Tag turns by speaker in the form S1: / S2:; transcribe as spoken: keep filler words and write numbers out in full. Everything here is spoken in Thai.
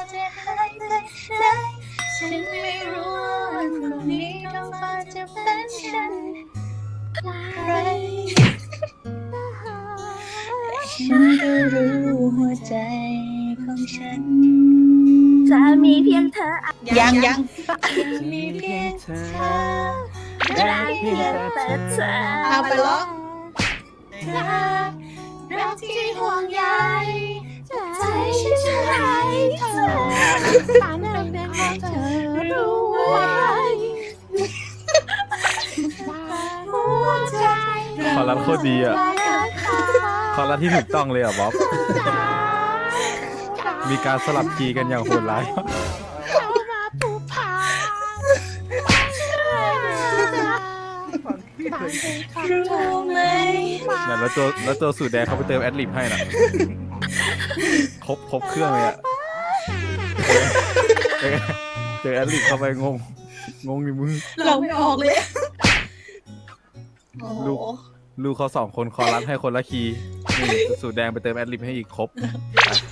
S1: จะหายไปไหนฉันไม่รู้ว่าวันพรุ่งนี้ท้องฟ้าจะเป็นเช่นไรฉันก็รู้หัวใจของฉัน
S2: จะมีเพียงเธอ
S1: ยังยังยังมีเพียงเธอรักเพียงแต่เธอเอาไปร้องรักรักที่ห่วงใยใจฉันจะให้เธอตามนั้นเป็นของเธอรู้ไว้หัวใจ
S3: คอรัสโคตรดีอ่ะคอรัสที่ถูกต้องเลยอ่ะบ๊อบมีการสลับคีย์กันอย่างโหดร้าย
S1: รู้ไหม
S3: เนี่ยแล้วตัวแล้วตัวสูตรแดงเขาไปเติมแอดลิบให้น่ะครบครบเครื่องเลยอ่ะเจอเจอแอดลิบเข้าไปงงงงในมือ
S1: เราไม่ออกเลย
S3: ลูกลูกเขาสองคนคอรัสให้คนละคีย์นี่สูตรแดงไปเติมแอดลิบให้อีกครบ